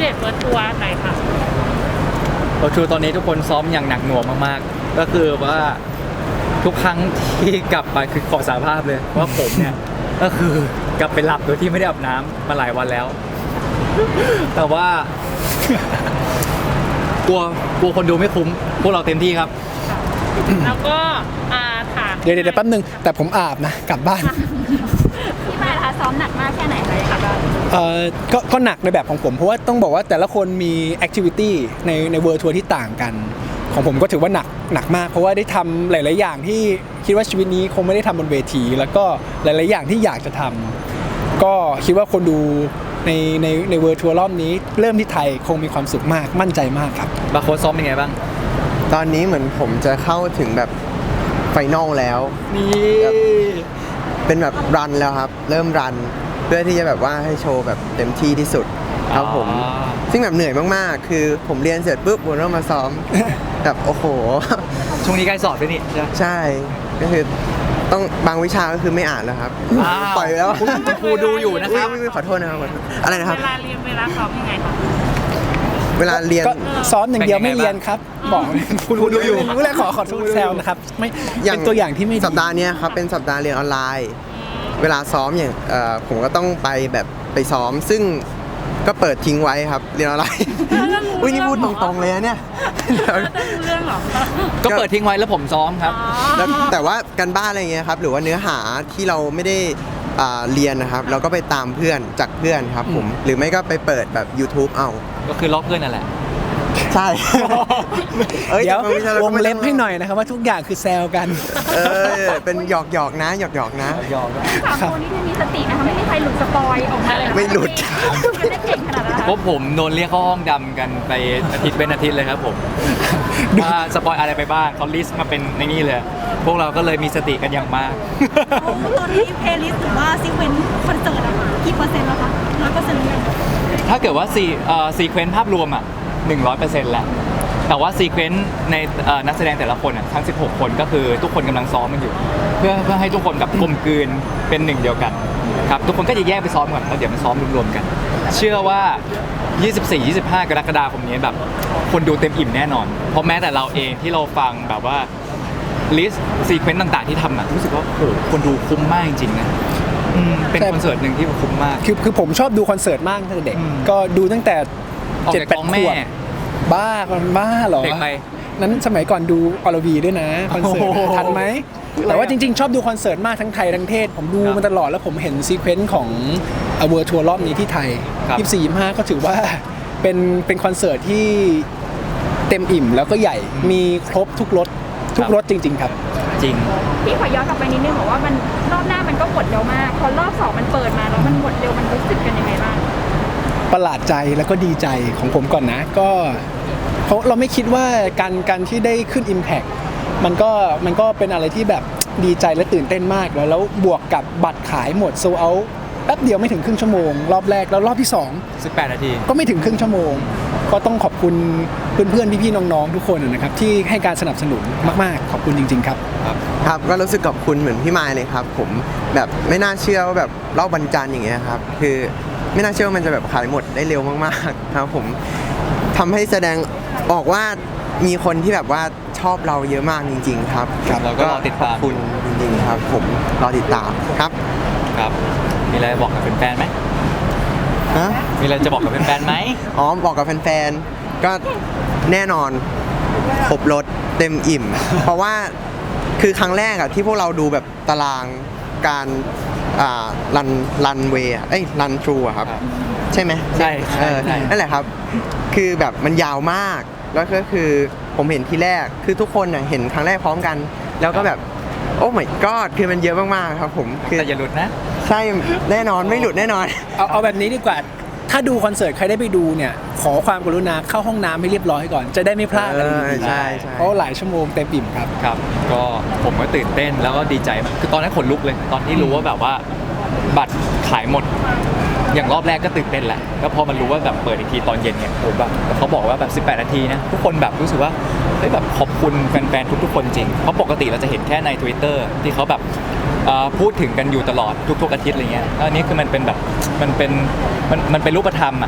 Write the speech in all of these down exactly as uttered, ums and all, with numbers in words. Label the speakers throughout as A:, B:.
A: เดตเวิร์ดทัวร์หน่อยค่ะ
B: โอชูตอนนี้ทุกคนซ้อมอย่างหนักหน่วงมากๆก็คือว่าทุกครั้งที่กลับไปคือขอสารภาพเลยว่าผมเนี่ยก็คือกลับไปหลับโดยที่ไม่ได้อาบน้ำมาหลายวันแล้วแต่ว่ากลัวกลัวคนดูไม่คุ้มพวกเราเต็มที่ครับ
A: แล้วก็ถาม
C: เดี๋ยวเดี๋ยวแป๊บนึงแต่ผมอาบนะกลับบ้าน
D: พี่มายนะคะซ้อมหนักมากแค่ไหนเลยคะ
C: เอ่อก็ก็หนักในแบบของผมเพราะว่าต้องบอกว่าแต่ละคนมีแอคทิวิตี้ในในเวิร์ทัวร์ที่ต่างกันของผมก็ถือว่าหนักหนักมากเพราะว่าได้ทำหลายๆอย่างที่คิดว่าชีวิตนี้คงไม่ได้ทำบนเวทีแล้วก็หลายๆอย่างที่อยากจะทำก็คิดว่าคนดูในในในเวิร์ทัวร์รอบนี้เริ่มที่ไทยคงมีความสุขมากมั่นใจมากครับ
B: บาโค้ดซ้อมเป็นไงบ้าง
E: ตอนนี้เหมือนผมจะเข้าถึงแบบไฟนอลแล้ว
B: นี่
E: เป็นแบบรันแล้วครับเริ่มรันเพื่อที่จะแบบว่าให้โชว์แบบเต็มที่ที่สุดครับผมซึ่งแบบเหนื่อยมากๆคือผมเรียนเสร็จปุ๊บผมต้องมาซ้อมแบบโอ้โห
B: ช่วงนี้ใกล้สอบด้วยนี่
E: ใช่ก็คือต้องบางวิชาก็คือไม่อ่านแล้วครับปล่อยแล้ว
B: คุณครูดูอยู่นะครับ
E: ขอโทษนะครับอะไรนะครับ
A: เวลาเรียนเวลาซ้อมยังไงคะ
E: เวลาเรียน
C: ซ้อมอย่างเดียวไม่เรียนครับบอก
B: คุณครูดูอยู่
C: รู้แล้วขอขอโทษแซวนะครับไม่เป็นตัวอย่างที่ไม่
E: สัปดาห์นี้ครับเป็นสัปดาห์เรียนออนไลน์เวลาซ้อมอย่างผมก็ต้องไปแบบไปซ้อมซึ่งก็เปิดทิ้งไว้ครับเรียนออนไลน์อุ้ยนี่พูดตรงๆเลยนะเนี่ย
A: เรื่องหรอ
B: ก็เปิดทิ้งไว้แล้วผมซ้อมครับ
E: แต่ว่าการบ้านอะไรเงี้ยครับหรือว่าเนื้อหาที่เราไม่ได้เรียนนะครับเราก็ไปตามเพื่อนจากเพื่อนครับผมหรือไม่ก็ไปเปิดแบบ YouTube เอา
B: ก็คือล็อกเพื่อนนั่นแหละ
E: ใช่
C: เดี๋ยววงเล็บให้หน่อยนะครับว่าทุกอย่างคือแซวกัน
E: เออเป็นหยอกหยอกนะหยอกหยอกนะ
B: หยอก
D: สามคนนี้ที่มีสตินะคะไม่มีใครหลุดสปอยออกมาเลย
E: ไม่หลุด
D: ไม่ได้เก่งขนาดนั้น
B: พวกผมโดนเรียกเข้าห้องดำกันไปอาทิตย์เป็นอาทิตย์เลยครับผมว่าสปอยอะไรไปบ้างเขาลิสต์มาเป็นในนี้เลยพวกเราก็เลยมีสติกันอย่างมาก
D: ตอนนี้เพลย์ลิสต์หรือว่าซีเควนต์คอนเสิร์ตอะกี่เปอร์เซ็นต์แล้วคะร้อยเปอร์เซ็นต์หรือยัง
B: ถ้าเกิดว่าซีเอ่อซีเควนต์ภาพรวมอ่ะหนึ่งร้อยเปอร์เซ็นต์แหละแต่ว่าซีเควนต์ในนักแสดงแต่ละคนอ่ะทั้งสิบหกคนก็คือทุกคนกำลังซ้อมมันอยู่เพื่อเพื่อให้ทุกคนแบบกลมกลืนเป็นหนึ่งเดียวกันครับทุกคนก็จะแยกไปซ้อมก่อนแล้วเดี๋ยวมาซ้อมรวมๆกันเชื่อว่า ยี่สิบสี่ ยี่สิบห้ากรกฎาคมนี้แบบคนดูเต็มอิ่มแน่นอนเพราะแม้แต่เราเองที่เราฟังแบบว่าลิสต์ซีเควนต์ต่างๆที่ทำอ่ะรู้สึกว่าโอ้โหคนดูคุ้มมากจริงๆนะเป็นคอนเสิร์ตหนึ่งที่คุ้มมาก
C: คือคือผมชอบดูคอนเสิร์ตมากตั้งแต่เด็กก็ดูตั้งแต่เจ็ดแปดขวบบ้าคนบ้าเหรอ
B: เด็กไป
C: นั้นสมัยก่อนดูอรวีด้วยนะคอนเสิร์ตทันไหมแต่ว่าจริงๆชอบดูคอนเสิร์ตมากทั้งไทยทั้งเทศผมดูมาตลอดแล้วผมเห็นซีเควนต์ของเวิลด์ทัวร์รอบนี้ที่ไทยยี่สิบสี่ ยี่สิบห้าก็ถือว่าเป็นเป็นคอนเสิร์ตที่เต็มอิ่มแล้วก็ใหญ่มีครบทุกรสทุกรสจริงๆครับ
B: จริง
D: พี่ขอย้อนกลับไปนิดนึงบอกว่ามันรอบหน้ามันก็หมดเร็วมากพอรอบสองมันเปิดมาแล้วมันหมดเร็วมันรู้สึกกันยังไงบ้าง
C: ประหลาดใจแล้วก็ดีใจของผมก่อนนะก็เพราะเราไม่คิดว่าการการที่ได้ขึ้น Impact มันก็มันก็เป็นอะไรที่แบบดีใจและตื่นเต้นมากแล้วแล้วบวกกับบัตรขายหมดโซลเอาท์แป๊บเดียวไม่ถึงครึ่งชั่วโมงรอบแรกแล้วรอบที่สอง
B: สิบแปดนาที
C: ก็ไม่ถึงครึ่งชั่วโมงก็ต้องขอบคุณเพื่อนๆพี่ๆน้องๆทุกคนนะครับที่ให้การสนับสนุนมากๆขอบคุณจริงๆครับ
E: ครับก็รู้สึกขอบคุณเหมือนพี่มายเลยครับผมแบบไม่น่าเชื่อว่าแบบรอบวันจันทร์อย่างเงี้ยครับคือไม่น่าเชื่อว่ามันจะแบบขายหมดได้เร็วมากๆครับผมทำให้แสดงออกว่ามีคนที่แบบว่าชอบเราเยอะมากจริงๆครับ
B: เราก็รอติดตาม
E: คุณจริงๆครับผมรอติดตามครับ
B: ครับมีอะไรบอกกับแฟนๆไหม
E: ฮะ
B: มีอะไรจะบอกกับแฟนๆไหม
E: อ๋อบอกกับแฟนๆก็แน่นอนครบรถเต็มอิ่มเพราะว่าคือครั้งแรกอะที่พวกเราดูแบบตารางการรันรันเวย์เอ้ยรันทรูอะครับใช่ไหม
B: ใช่ใช่
E: นั่นแหละครับคือแบบมันยาวมากแล้วก็คือผมเห็นทีแรกคือทุกคนเห็นครั้งแรกพร้อมกันแล้วก็แบบโอ้ my god คือมันเยอะมากๆครับผม
B: คือแต่อย่าหลุดนะ
E: ใช่แน่นอนไม่หลุดแน่นอน
C: เอาเอาแบบนี้ดีกว่าถ้าดูคอนเสิร์ตใครได้ไปดูเนี่ยขอความกรุณาเข้าห้องน้ำให้เรียบร้อยก่อนจะได้ไม่พลาดอะไรดีๆ
E: ใช่
C: เพราะหลายชั่วโมงเต็มอิ่มครับ
B: ครับก็ผมก็ตื่นเต้นแล้วก็ดีใจคือตอนนั้นขนลุกเลยตอนที่รู้ว่าแบบว่าบัตรขายหมดอย่างรอบแรกก็ตื่นเต้นแหละแล้วพอมันรู้ว่าแบบเปิดอีกทีตอนเย็นเนี่ยโอ้แบบเขาบอกว่าแบบสิบแปดนาทีนะทุกคนแบบรู้สึกว่าเฮ้ยแบบขอบคุณแฟนๆทุกๆคนจริงเพราะปกติเราจะเห็นแค่ใน Twitter ที่เขาแบบพูดถึงกันอยู่ตลอดทุกๆอาทิตย์อะไรเงี้ยอันนี้คือมันเป็นแบบมันเป็นมันมันเป็นรูปธรรมอ่ะ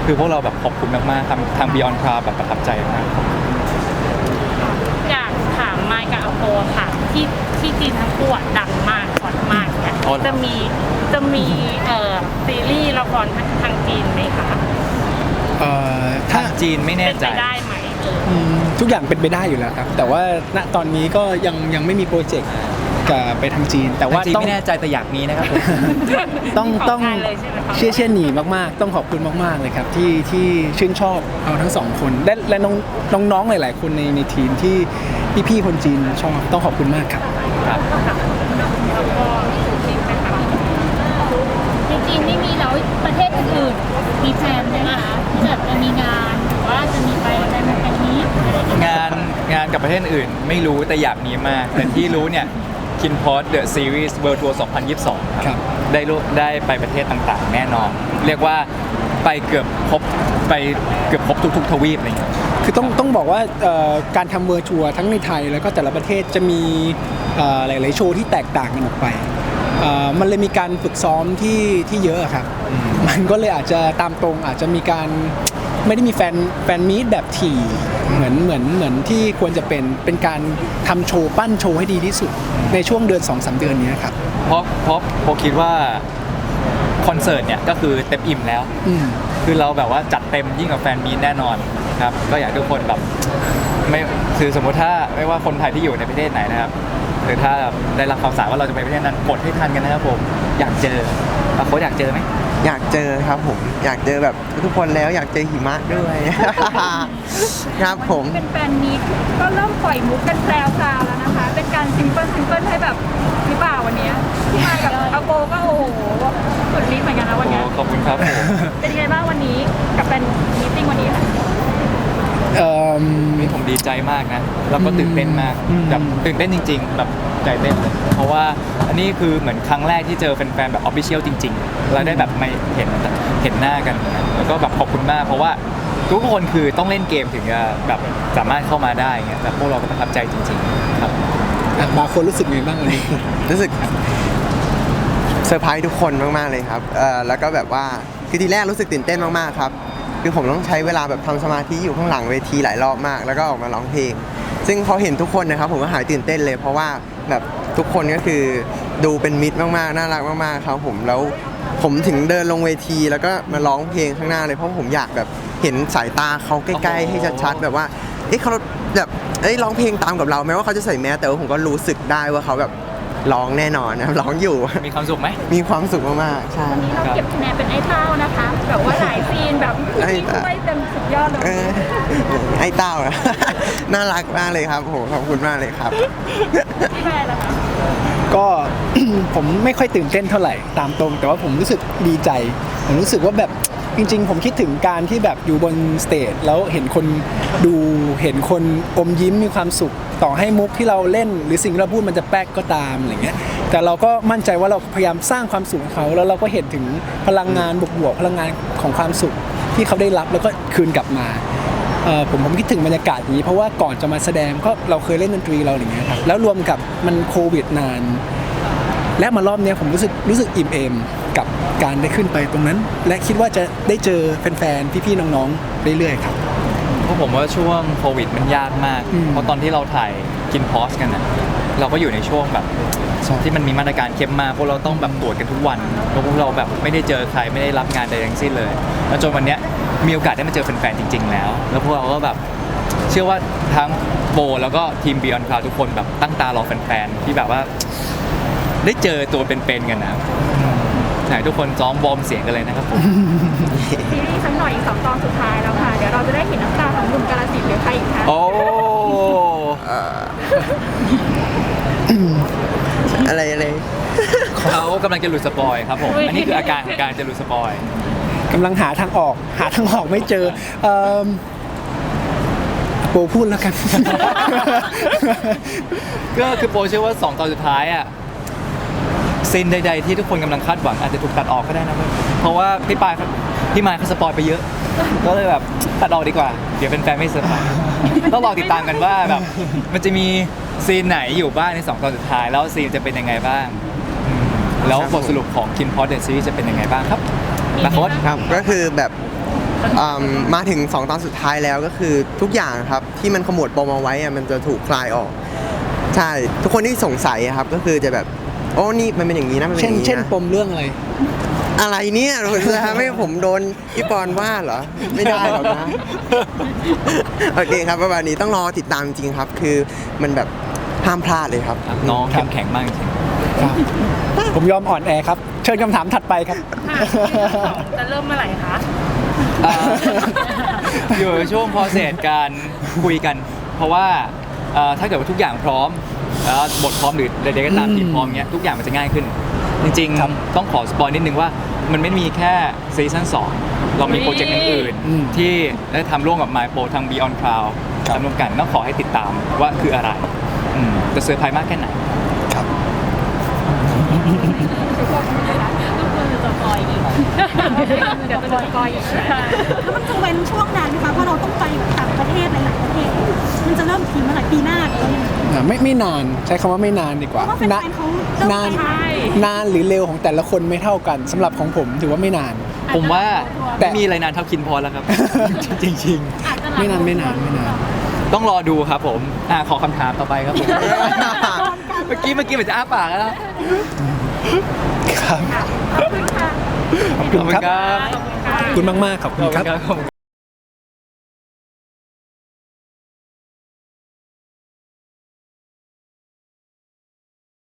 B: คือพวกเราแบบขอบคุณมากๆทางทาง Beyond Cloud แบบประทับใจมาก
A: อยากถามไมค์กับอโปค่ะที่ที่จีนทั้งคู่อะดังมากฮอตมากเนี่ย
B: อ๋อเหรอ
A: จะมีจะมีเอ่อซีรีส์ละครทางจีนไหมคะ
C: เอ่อ
B: ทา
C: ถ้า
B: งจีนไม่แน่
A: เป็น
B: ใจ
A: ไปได้ไหมเออ
C: อืมทุกอย่างเป็นไปได้อยู่แล้วครับ แต่ว่าณตอนนี้ก็ยังยังไม่มีโปรเจกต์กับไปทางจีน แต่ว่า
B: ทางจีน
C: ต้อง
B: ไม่แน่ใจแต่อยากมีนะครับผม
C: ต้อง
A: ข
C: ต้อง
A: งานเลยใช่ไหมคะ
C: เชี่ยเชี่ยหนีมากๆ ต้องขอบคุณมากๆเลยครับที่ที่ชื่นชอบเอาทั้งสองคนและและน้องน้องๆหลาย ๆ คนในในทีมที่พี่ๆคนจีนชอบต้องขอบคุณมากครับ
B: ครับ
A: แล้วก็จีนไหมคะ
F: จริงๆไม่มีแล้วประเทศอื่นๆมีแพลนไหมคะที่แบบจะมีงานหรือว่าจะมีไปอะไรแบบนี้อะไรอย่างเงี้ย
B: งานงานกับประเทศอื่นไม่รู้แต่อยากมีมาก แต่ที่รู้เนี่ย KinPod The Series World Tour สองพันยี่สิบสอง ค
C: ครั
B: รับบ ได้รู้ได้ไปประเทศต่างๆ แน่นอน เรียกว่าไปเกือบครบไปเกือบครบทุกๆทวีปอะไรอย่างเงี้ย
C: คือต้องต้องบอกว่าเอ่อการทำเวอร์ชัวร์ทั้งในไทยแล้วก็แต่ละประเทศจะมีเอ่อหลาย ๆ โชว์ที่แตกต่างกันออกไปเอ่อมันเลยมีการฝึกซ้อมที่ที่เยอะอะครับ มันก็เลยอาจจะตามตรงอาจจะมีการไม่ได้มีแฟนแฟนมีตแบบถี่เหมือนเหมือนเหมือนที่ควรจะเป็นเป็นการทำโชว์ปั้นโชว์ให้ดีที่สุดในช่วงเดือน สองสาม เดือนนี้ครับ
B: เพราะเพราะผมคิดว่าคอนเสิร์ตเนี่ยก็คือเต็มอิ่มแล้ว
C: อืม
B: คือเราแบบว่าจัดเต็มยิ่งกว่าแฟนมีตแน่นอนครับ ก็อยากให้ทุกคนแบบไม่คือสมมุติถ้าไม่ว่าคนไทยที่อยู่ในประเทศไหนนะครับหรือถ้าได้รับข่าวสารว่าเราจะไปประเทศนั้นกดให้ทันกันนะครับผมอยากเจอโค้ชอยากเจอไหม
E: อยากเจอครับผมอยากเจอแบบทุกคนแล้วอยากเจอหิมะด้วย ครับผม
D: เป็นแฟนมีตก็เริ่มปล่อยมุกกันแซวซาแล้วนะคะ เป็นการซิมเปิลซิมเปิลให้แบบหรือเปล่าวันเนี้ยพี่มายกับอาโปก็โอ้โหสุดฤทธิ์เหมือนกันนะวัน
B: โอ้
D: เนี้ย
B: ขอบคุณครับผม
D: เป็นยังไงบ้างวันนี้กับแฟนมีตติ้งวันนี้ค่ะ
C: เอ่อ
B: นี่ผมดีใจมากนะแล้วก็ตื่นเต้นมาก
C: อืม
B: แบบตื่นเต้นจริง ๆ แบบใจเต้นเลยเพราะว่าอันนี้คือเหมือนครั้งแรกที่เจอแฟนๆแบบออฟฟิเชียลจริงๆเราได้แบบไม่เห็นเห็นหน้ากัน แล้วก็แบบขอบคุณมาก เพราะว่าทุกคนคือต้องเล่นเกมถึงจะแบบสามารถเข้ามาได้เงี้ยแต่พวกเราก็ประทับใจจริงๆครับ
C: อ่ะบางคนรู้สึกไงบ้างวันนี้
E: รู้สึกเซอร์ไพรส์ทุกคนมากๆเลยครับเอ่อแล้วก็แบบว่าคือทีแรกรู้สึกตื่นเต้นมากๆครับคือผมต้องใช้เวลาแบบทำสมาธิอยู่ข้างหลังเวทีหลายรอบมาก แล้วก็ออกมาร้องเพลง ซึ่งพอเห็นทุกคนนะครับผมก็หายตื่นเต้นเลย เพราะว่าแบบทุกคนก็คือดูเป็นมิตรมากๆน่ารักมากๆครับผมแล้วผมถึงเดินลงเวทีแล้วก็มาร้องเพลงข้างหน้าเลยเพราะผมอยากแบบเห็นสายตาเขาใกล้ๆให้ชัดๆแบบว่าเอ๊ะเขาแบบเอ้ยร้องเพลงตามกับเราแม้ว่าเขาจะใส่แมสแต่ว่าผมก็รู้สึกได้ว่าเขาแบบร้องแน่นอนนะครับร้องอยู่
B: มีความสุขไหม
E: มีความสุขมากๆใช่
D: วันนี้เราเก็บคะแนนเป็นไอ้เต้านะคะแบบว่าหลายซีนแบบ
E: ไอ้
D: ที่
E: เต้า
D: ช่วยเต็มสุดยอดเลย
E: เออไอ้เต้าอะ น่ารักมากเลยครับโหขอบคุณมากเลยครับ
D: พี่แพรล่ะคะ
C: ก็ ผมไม่ค่อยตื่นเต้นเท่าไหร่ตามตรง แต่ว่าผมรู้สึกดีใจ ผมรู้สึกว่าแบบจริง ๆ ผมคิดถึงการที่แบบอยู่บนสเตจแล้วเห็นคนดูเห็นคนอมยิ้มมีความสุข ต่อให้มุกที่เราเล่น หรือสิ่งที่เราพูดมันจะแป๊กก็ตามอะไรเงี้ยแต่เราก็มั่นใจว่าเราพยายามสร้างความสุขให้เขาแล้วเราก็เห็นถึงพลังงานบวกๆพลังงานของความสุขที่เขาได้รับแล้วก็คืนกลับมาเอ่อผมผมคิดถึงบรรยากาศนี้เพราะว่าก่อนจะมาแสดงก็เราเคยเล่นดนตรีเราอย่างเงี้ยครับแล้วรวมกับมันโควิดนาน และมารอบเนี้ยผมรู้สึกรู้สึกอิ่มเอมกับการได้ขึ้นไปตรงนั้น และคิดว่าจะได้เจอแฟนๆพี่ๆน้องๆเรื่อยๆครับ
B: เพราะผมว่าช่วงโควิดมันยากมาก
C: อืม
B: เพราะตอนที่เราถ่ายกินพอสกันนะเราก็อยู่ในช่วงแบบที่มันมีมาตรการเข้มมากพวกเราต้องแบบตรวจกันทุกวันแล้วพวกเราแบบไม่ได้เจอใครไม่ได้รับงานใดทั้งสิ้นเลย แล้วจนวันเนี้ยมีโอกาสได้มาเจอแฟนๆจริง ๆ แล้ว แล้วพวกเราก็แบบเชื่อว่าทั้งโบแล้วก็ทีม Beyond Cloud ทุกคนแบบตั้งตารอแฟนๆที่แบบว่า ได้เจอตัวเป็นๆกันนะไหนทุกคนซ้อมวอร์มเสียงกันเลยนะครับผม
D: ซีรีส์สักหน่อยอีกสองตอนสุดท้ายแล้วค่ะ เดี๋ยวเราจะได้เห็นน้ำตาของหนุ่มกาลสินธุ์หรือใครอีกคะ
B: โอ้
E: อะไรอะไร
B: เขากำลังจะหลุดสปอยครับผม อันนี้คืออาการของการจะหลุดสปอย
C: กำลังหาทางออก หาทางออกไม่เจอเอิ่มโปพูดแล้วกัน
B: ก็คือโปรเชื่อว่าสองตอนสุดท้ายอ่ะซีนใดๆที่ทุกคนกำลังคาดหวังอาจจะถูกตัดออกก็ได้นะเว้ยเพราะว่าพี่ปายเขาพี่มายเขาสปอยไปเยอะ ก็เลยแบบตัดออกดีกว่า เดี๋ยวเป็นแฟนๆไม่เซอร์ไพรส์ต้องรอติดตามกันว่าแบบมันจะมีซีนไหนอยู่บ้างในสองตอนสุดท้าย แล้วซีนจะเป็นยังไงบ้างอืมแล้วบทสรุปของ KinPod The Series จะเป็นยังไงบ้างครับนะโค้ช
E: ครับก็คือแบบอืมมาถึงสองตอนสุดท้ายแล้วก็คือทุกอย่างครับที่มันขมวดปมเอาไว้อะมันจะถูกคลายออก ใช่ทุกคนที่สงสัยอะครับก็คือจะแบบโอ้นี่มันเป็นอย่างนี้นะมันเป็นอ
C: เช่น
E: ย่างนี้
C: เช่น
E: นะ
C: ปมเรื่องอะไร
E: อะไรเนี่ยคุณจะทำให้ผมโดนพี่ปอนว่าเหรอไม่ได้หรอกนะ โอเคครับประมาณนี้ต้องรอติดตามจริงๆครับ คือมันแบบห้ามพลาดเลยครับ
B: น้องเข้มแข็งมากจริง
C: ครับ ผมยอมอ่อนแอครับ เชิญคำถามถัดไปครับ
A: ค่ะซีซั่นสองจะเริ่มเมื่อไหร่คะ
B: อ่า อยู่ในช่วง process การคุยกัน เพราะว่าเอ่อถ้าเกิดว่าทุกอย่างพร้อมแล้วบทพร้อมหรือใดๆก็ตามทีมพร้อมเงี้ยทุกอย่างมันจะง่ายขึ้น จริง
C: ครับ
B: ๆ ต้องขอสปอยนิดนึงว่ามันไม่ได้มีแค่ซีซั่นสองเรามีโปรเจกต์อื่น
C: อืม
B: ๆที่ได้ทำร่วมกับ My Pro ทาง Beyond Cloud
C: ครับ
B: ทำร่วมกันต้องขอให้ติดตามว่าคืออะไรอืมจะเซอร์ไพรส์มากแค่ไหน
C: ครับ
F: ก็คือจะปล่อยอีก
A: เดี๋ยวจะสปอยอีก
G: แล้วมันจะเว้นช่วงนานไหมคะเพราะเราต้องไปแบบต่างประเทศหลายๆประเทศ มันจะเริ่มทีเมื่อไหร่ปีหน้าหรือว่ายังไง
C: อ่าไม่ไม่นานใช้คำว่าไม่นานดีก
G: เพ
C: ว่า
G: ราะว่าแฟ
C: นะ
G: นๆเขาเริ่ม
C: นาน
G: ไป
A: ใช่
C: นานหรือเร็วของแต่ละคนไม่เท่ากันสำหรับของผมถือว่าไม่นาน
B: ผมว่า
C: แต่
B: ไม่มีอะไรนานเท่าคินพอแล้วครับ จริง
F: อาจจะหลัง
C: ไม่นานไม่นานไม่นาน
B: ๆ ต้องรอดูครับผมอ่าขอคำถามต่อไปครับผม เมื่อกี้เมื่อกี้เหมือนจะอ้าปากแล้ว
C: ครับ
D: ขอบคุณค่ะ
C: ขอบคุณครับ
B: ขอบคุณครับ
C: ขอบคุณมากๆขอบคุณครับ
B: ขอบคุณครับ